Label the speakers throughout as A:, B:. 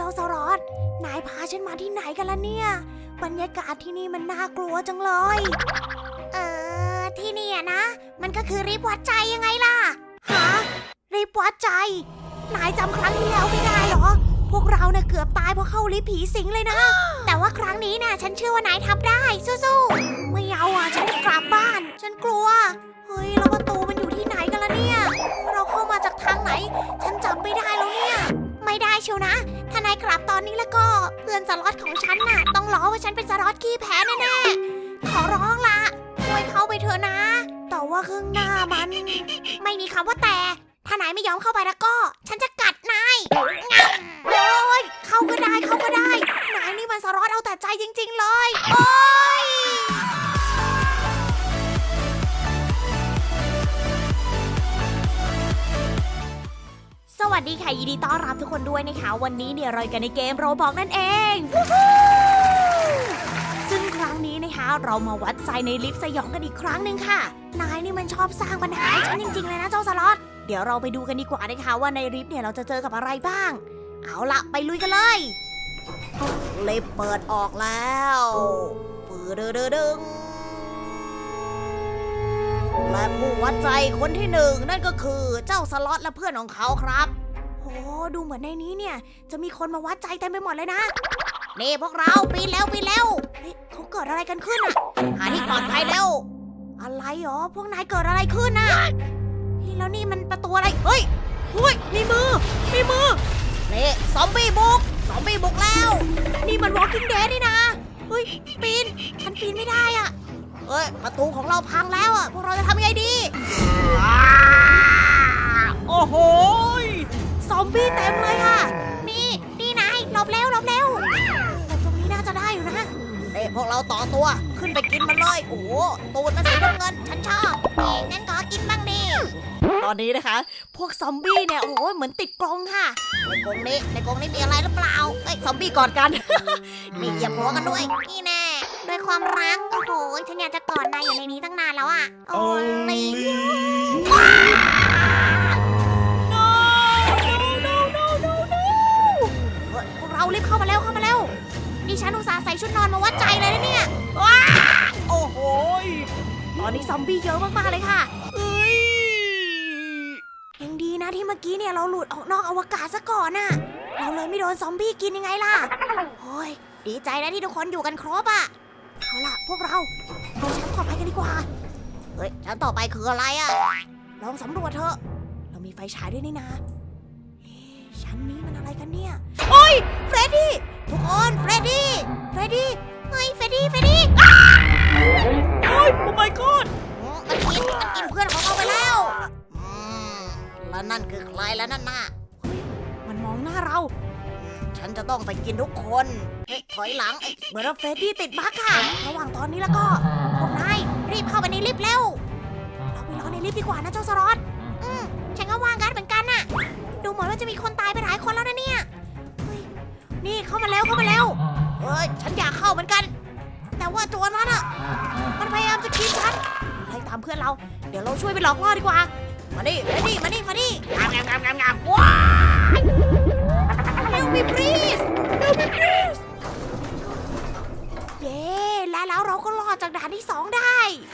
A: าสรอตนายพาฉันมาที่ไหนกันล่ะเนี่ยบรรยากาศที่นี่มันน่ากลัวจังเลยที่นี่นะมันก็คือริบวัดใจยังไงล่ะฮะริบวัดใจนายจำครั้งที่แล้วไม่ได้เหรอพวกเราเนี่ยเกือบตายเพราะเข้าลิฟต์ผีสิงเลยนะแต่ว่าครั้งนี้น่ะฉันเชื่อว่านายทำได้สู้ๆไม่เอาอ่ะฉันจะกลับบ้านฉันกลัวเฮ้ยแล้วประตูมันอยู่ที่ไหนกันล่ะเนี่ยเราเข้ามาจากทางไหนฉันจำไม่ได้แล้วเนี่ยไม่ได้เชียวนะถ้านายกลับตอนนี้แล้วก็เพื่อนสล็อตของฉันน่ะต้องล้อว่าฉันเป็นสล็อตขี้แพ้แน่ๆขอร้องละช่วยเข้าไปเถอะนะแต่ว่าข้างหน้ามันไม่มีคำว่าแต่ถ้านายไม่ยอมเข้าไปแล้วก็ฉันจะกัดนายโอ้ยเข้าก็ได้นายนี่มันสล็อตเอาแต่ใจจริงๆเลยโอ้ยสวัสดีค่ะยินดีต้อนรับทุกคนด้วยนะคะวันนี้เนี่ยเรากันในเกมโรบล็อกนั่นเองซึ่งครั้งนี้นะคะเรามาวัดใจในลิฟต์สยองกันอีกครั้งหนึ่งค่ะนายนี่มันชอบสร้างปัญหาให้ฉันจริงๆเลยนะเจ้าสล็อตเดี๋ยวเราไปดูกันดีกว่านะคะว่าในลิฟต์เนี่ยเราจะเจอกับอะไรบ้างเอาละไปลุยกันเลยลิฟต์เปิดออกแล้วปืดดึงและผู้วัดใจคนที่หนึ่งนั่นก็คือเจ้าสล็อตและเพื่อนของเขาครับโอ้ดูเหมือนในนี้เนี่ยจะมีคนมาวัดใจเต็มไปหมดเลยนะนี่พวกเราปีนแล้วเฮ้ยเขาเกิดอะไรกันขึ้นอ่ะหาที่ปลอดภัยเร็วอะไรหรอพวกนายเกิดอะไรขึ้นน่ะแล้วนี่มันประตูอะไรเฮ้ยมีมือนี่ซอมบี้บุกแล้วนี่มัน Walking Dead นี่นะเฮ้ยฉันปีนไม่ได้อ่ะเฮ้ยประตูของเราพังแล้วอ่ะพวกเราจะทำยังไงดีโอ้โหซอมบี้เต็มเลยค่ะนี่นายหลบเร็วตรงนี้น่าจะได้อยู่นะพวกเราต่อตัวขึ้นไปกินมันเลยโอ้โหตูดมันสีน้ำเงินฉันชอบงั้นขอกินบ้างดิตอนนี้นะคะพวกซอมบี้เนี่ยโอ้โหเหมือนติดกรงค่ะในกรงนี้มีอะไรหรือเปล่าซอมบี้กอดกันมีเหยียบหัวกันด้วยนี่แน่ด้วยความรักโอ้โหฉันอยากจะกอดนายอยู่ในนี้ตั้งนานแล้วอ่ะโอ้ยพวกเรารีบเข้ามาเร็วนี่ฉันอุตส่าห์ใส่ชุดนอนมาวัดใจเลยนะเนี่ยว้าโอ้โหตอนนี้ซอมบี้เยอะมากๆเลยค่ะยังดีนะที่เมื่อกี้เนี่ยเราหลุดออกนอกอวกาศซะก่อนน่ะเราเลยไม่โดนซอมบี้กินยังไงล่ะโอ้ยดีใจนะที่ทุกคนอยู่กันครบอ่ะเอาล่ะพวกเราเอาชั้นต่อไปกันดีกว่าเฮ้ยชั้นต่อไปคืออะไรอ่ะลองสำรวจเถอะเรามีไฟฉายด้วยนี่นะชั้นนี้มันอะไรกันเนี่ยโอ้ยเฟรดดี้ทุกคนเฟรดดี้เฮ้ยเฟรดดี้โอ้ยโอ้ my god มันกินเพื่อนของเราไปแล้วแล้วนั่นคือใครแล้วนั่นน่ะเฮ้ยมันมองหน้าเราฉันจะต้องไปกินทุกคนถอยหลังเหมือนว่าเฟรดดี้ติดบั๊กค่ะระหว่างตอนนี้แล้วก็พวกนายรีบเข้าไปในลิฟต์เร็วเราไปรอในลิฟต์ดีกว่านะเจ้าสล็อตฉันก็วางกันเหมือนกันน่ะดูเหมือนว่าจะมีคนตายไปหลายคนแล้วนะเนี่ยนี่เข้ามาเร็วเฮ้ยฉันอยากเข้าเหมือนกันแต่ว่าตัวนั้นอ่ะมันพยายามจะกินฉันไล่ตามเพื่อนเราเดี๋ยวเราช่วยไปหลอกล่อดีกว่ามาดิงามว้าย Help me please เย้แล้วเราก็รอดจากด่านที่2ได้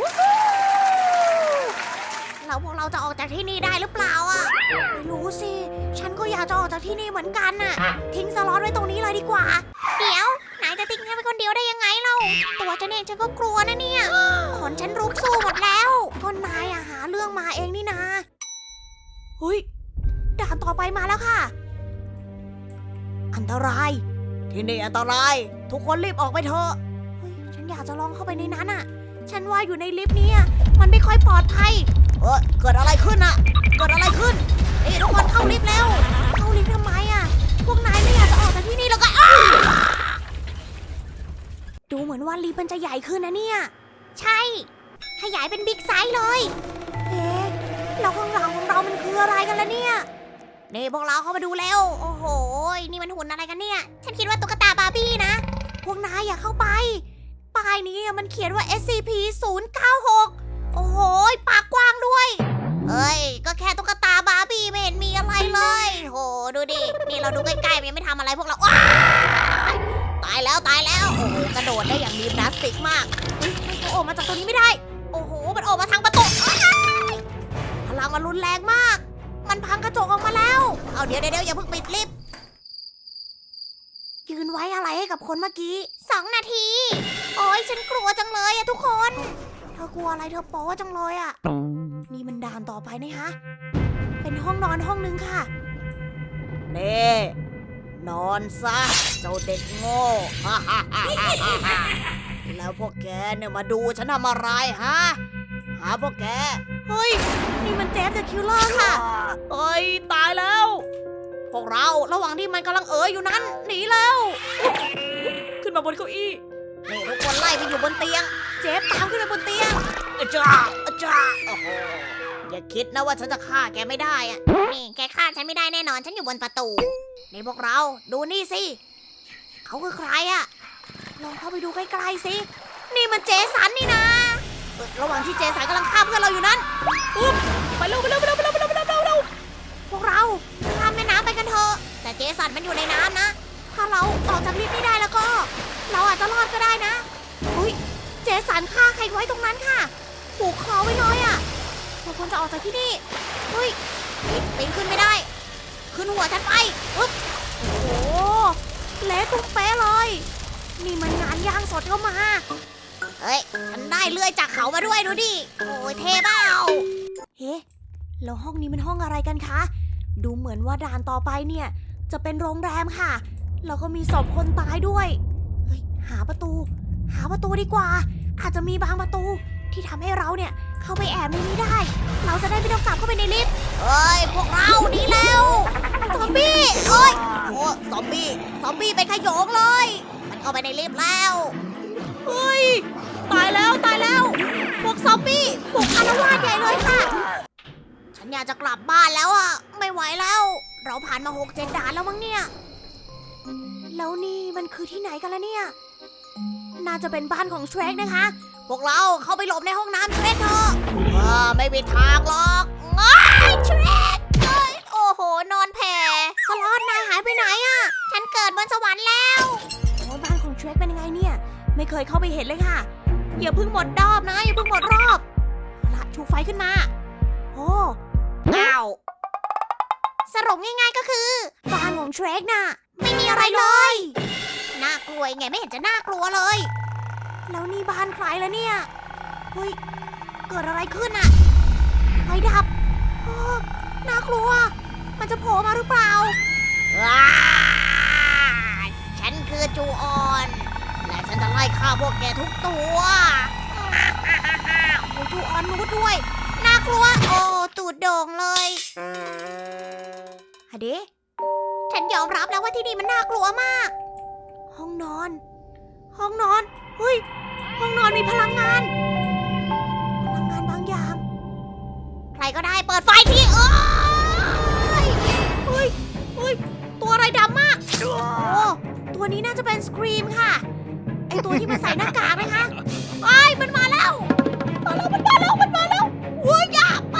A: แล้วพวกเราจะออกจากที่นี่ได้หรือเปล่าอ่ะไม่รู้สิฉันก็อยากจะออกจากที่นี่เหมือนกันน่ะทิ้งสล็อตไว้ตรงนี้เลยดีกว่าเดี๋ยวนายจะทิ้งฉันไปคนเดียวได้ยังไงเราตัวฉันเองฉันก็กลัวนะเนี่ยขนฉันลุกสู้หมดแล้วก็นายอะหาเรื่องมาเองนี่นะเฮ้ยด่านต่อไปมาแล้วค่ะอันตรายที่นี่อันตรายทุกคนรีบออกไปเถอะเฮ้ยฉันอยากจะลองเข้าไปในนั้นอะฉันว่าอยู่ในลิฟต์นี้มันไม่ค่อยปลอดภัยเกิดอะไรขึ้นทุกคนเข้าลิฟต์แล้วเข้าลิฟต์ทำไมอะพวกนายไม่อยากจะออกจากที่นี่แล้วก็ดูเหมือนว่าลิฟต์มันจะใหญ่ขึ้นนะเนี่ยใช่ขยายเป็นบิ๊กไซส์เลยแล้วข้างหลังของเรามันคืออะไรกันล่ะเนี่ยนี่พวกเราเข้ามาดูแล้วโอ้โหนี่มันหุ่นอะไรกันเนี่ยฉันคิดว่าตุ๊กตาบาร์บี้นะพวกนายอย่าเข้าไปป้ายนี้มันเขียนว่า SCP-096 โอ้โหปากกว้างด้วยก็แค่ตุ๊กตาบาร์บี้ไม่เห็นมีอะไรเลยโหดูดินี่เราดูใกล้ๆมันยังไม่ทำอะไรพวกเราว้าตายแล้วโอ้โหกระโดดได้อย่างมีพลาสติกมากเฮ้ยมันออกมาจากตรงนี้ไม่ได้โอ้โหมันออกมาทางประตูพลังมันรุนแรงมากมันพังกระจกออกมาแล้วเอาเดี๋ยวอย่าเพิ่งปิดลิฟต์ยืนไว้อะไรให้กับคนเมื่อกี้2 นาทีโอ้ยฉันกลัวจังเลยอะทุกคนเธอกลัวอะไรเธอโป๊จังเลยอะนี่มันด่านต่อไปนี่ฮะเป็นห้องนอนห้องนึงค่ะเน่นอนซะเจ้าเด็กโง่ แล้วพวกแกเนี่ยมาดูฉันทำอะไรฮะหาพวกแกเฮ้ยนี่มันเจฟเดอะคิลเลอร์ค่ะเฮ้ยตายแล้วพวกเราระหว่างที่มันกำลังอยู่นั้นหนีแล้วขึ้นมาบนเก้าอี้นี่ทุกคนไล่ไปอยู่บนเตียงเจฟตามขึ้นไปบนเตียงอาจารย์โอ้โหอย่าคิดนะว่าฉันจะฆ่าแกไม่ได้อะนี่แกฆ่าฉันไม่ได้แน่นอนฉันอยู่บนประตูนี่พวกเราดูนี่สิเขาคือใครอะลองเข้าไปดูใกล้ๆสินี่มันเจสันนี่นะระหว่างที่เจสันกำลังฆ่าเพื่อนเราอยู่นั้นปุ๊บไปเร็วพวกเราข้ามแม่น้ำไปกันเถอะแต่เจสันมันอยู่ในน้ำนะถ้าเราออกจากลิฟต์ไม่ได้แล้วก็เราอาจจะรอดก็ได้นะอุ้ยเจสันฆ่าใครไว้ตรงนั้นค่ะผูกคอไว้เลยอ่ะเราควรจะออกจากที่นี่เฮ้ยปีนขึ้นไม่ได้ขึ้นหัวฉันไปปุ๊บโอ้โหเละตุ้มเป๊ะเลยนี่มันงานย่างสดเข้ามาเฮ้ยฉันได้เลื่อยจากเขามาด้วยดูดิโอ้ยเท่เปล่าเฮ้แล้วห้องนี้มันห้องอะไรกันคะดูเหมือนว่าด่านต่อไปเนี่ยจะเป็นโรงแรมค่ะแล้วก็มีศพคนตายด้วยเฮ้ยหาประตูดีกว่าอาจจะมีบางประตูที่ทำให้เราเนี่ยเข้าไปแอบในนี้ได้เราจะได้ไม่ต้องกลับเข้าไปในลิฟต์เฮ้ยพวกเราหนีแล้วซอมบี้โอ้ยโอ้ซอมบี้เป็นขโยงเลยมันเข้าไปในลิฟต์แล้วเฮ้ยตายแล้วพวกซอมบี้บุกอาละวาดใหญ่เลยค่ะฉันอยากจะกลับบ้านแล้วอ่ะไม่ไหวแล้วเราผ่านมา6-7 ด่านแล้วมั้งเนี่ยแล้วนี่มันคือที่ไหนกันล่ะเนี่ยน่าจะเป็นบ้านของเทรคนะคะพวกเราเข้าไปหลบในห้องน้ำเทรคเถอะไม่มีทางหรอกเทรคโอ้โหนอนแผ่สล็อตนายหายไปไหนอ่ะฉันเกิดบนสวรรค์แล้วโอ้บ้านของเทรคเป็นยังไงเนี่ยไม่เคยเข้าไปเห็นเลยค่ะอย่าเพิ่งหมดรอบนะอย่าเพิ่งหมดรอบเอาละชูไฟขึ้นมาโอ้อ้าวสรุปง่ายๆก็คือบ้านของเทรคน่ะไม่มีอะไรเลยน่ากลัวไงไม่เห็นจะน่ากลัวเลยแล้วนี่บ้านใครแล้วเนี่ยเฮ้ยเกิดอะไรขึ้นอะไฟดับน่ากลัวมันจะโผล่มาหรือเปล่าฉันคือจูออนและฉันจะไล่ฆ่าพวกแกทุกตัวโอ้จูออนรู้ด้วยน่ากลัวโอ้ตูดโด่งเลยฮะเดฉันยอมรับแล้วว่าที่นี่มันน่ากลัวมากห้องนอนเฮ้ยห้องนอนมีพลังงานบางอย่างใครก็ได้เปิดไฟทีเฮ้ยตัวอะไรดำมากโอ้ตัวนี้น่าจะเป็นสครีมค่ะไอตัวที่มาใส่หน้ากากนะคะมันมาแล้วโอ้ยอย่าไป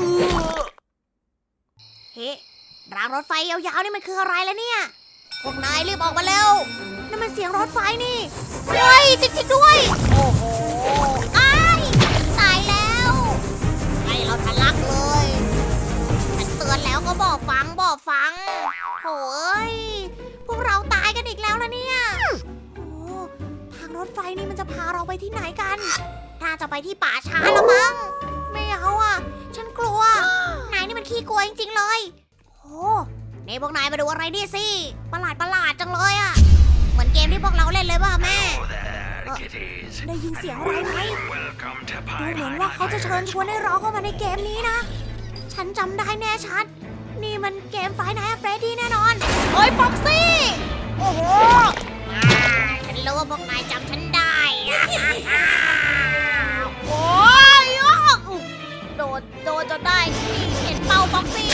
A: เฮ้รางรถไฟยาวๆนี่มันคืออะไรแล้วเนี่ยพวกนายรีบออกมาเร็วนั่นมันเสียงรถไฟนี่เฮ้ยจริงๆด้วยโอ้โหตายแล้วให้เราทะลักเลยฉันเตือนแล้วก็บอกฟังโถ่เอ้ยพวกเราตายกันอีกแล้วนะเนี่ยโอ้ทางรถไฟนี่มันจะพาเราไปที่ไหนกันน่าจะไปที่ป่าช้าละมั้งไม่เอาอ่ะฉันกลัวนายนี่มันขี้กลัวจริงๆเลยโอ้นี่พวกนายมาดูอะไรนี่สิประหลาดจังเลยอ่ะเหมือนเกมที่พวกเราเล่นเลยป่ะแม่ได้ยินเสียงอะไรไหมดูเหมือนว่าเขาจะเชิญชวนให้เราเข้ามาในเกมนี้นะฉันจำได้แน่ชัดนี่มันเกมไฟน์ไนท์เฟรดดี้แน่นอนเฮ้ยฟ็อกซี่โอ้โหฉันรู้ว่าพวกนายจำฉันได้โอ้ยโดนจนได้เห็นเป้าฟ็อกซี่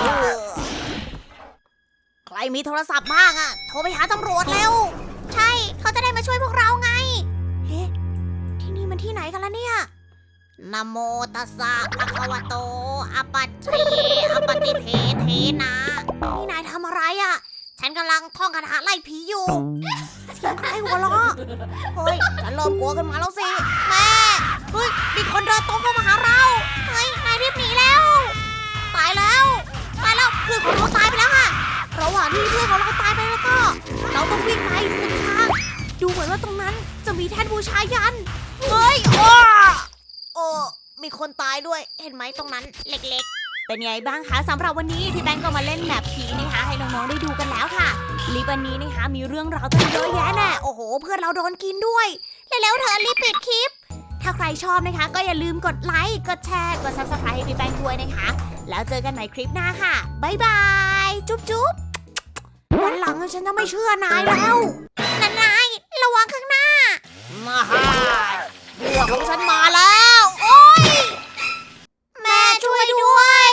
A: ใครมีโทรศัพท์บ้างอะโทรไปหาตำรวจเร็วใช่เขาจะได้มาช่วยพวกเราไงเฮ้ที่นี่มันที่ไหนกันล่ะเนี่ยนะโมตัสสะภะคะวะโตอะปัจเจอะปะติเทนะนี่นายทำอะไรอะฉันกำลังท่องคาถาไล่ผีอยู่เสียงใครหัวเราะเฮ้ยฉันเริ่มกลัวกันมาแล้วสิแม่เฮ้ยมีคนเดินตรงเข้ามาหาเราเฮ้ยนายรีบหนีแล้วตายแล้วเพื่อนของเราตายไปแล้วค่ะระหว่างที่เพื่อนของเราตายไปแล้วก็เราต้องวิ่งไปสุดทางดูเหมือนว่าตรงนั้นจะมีแท่นบูชายันเฮ้ยโอ้มีคนตายด้วยเห็นไหมตรงนั้นเล็กๆเป็นไงบ้างคะสำหรับวันนี้พี่แบงก์ก็มาเล่นแมปผีนะคะให้น้องๆได้ดูกันแล้วค่ะลิปวันนี้นะคะมีเรื่องราวตั้งเยอะแยะแน่โอ้โหเพื่อนเราโดนกินด้วยแล้วเธอรีบปิดคลิปถ้าใครชอบนะคะก็อย่าลืมกดไลค์กดแชร์กด Subscribe ให้พี่แบงก์ด้วยนะคะแล้วเจอกันใหม่คลิปหน้าค่ะบ๊ายบายจุ๊บวันหลังฉันจะไม่เชื่อนายแล้วนายระวังข้างหน้ามาฮ่าพวกของฉันมาแล้วโอ๊ยแม่ช่วยด้วย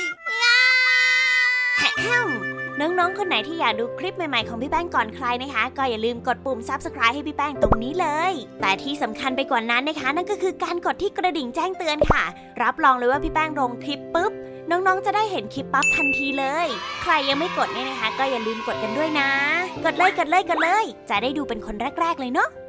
A: น้องๆคนไหนที่อยากดูคลิปใหม่ๆของพี่แป้งก่อนใครนะคะก็อย่าลืมกดปุ่ม Subscribe ให้พี่แป้งตรงนี้เลยแต่ที่สำคัญไปกว่านั้นนะคะนั่นก็คือการกดที่กระดิ่งแจ้งเตือนค่ะรับรองเลยว่าพี่แป้งลงคลิปปุ๊บน้องๆจะได้เห็นคลิปปั๊บทันทีเลยใครยังไม่กดเนี่ยนะคะก็อย่าลืมกดกันด้วยนะกดเลยจะได้ดูเป็นคนแรกๆเลยเนาะ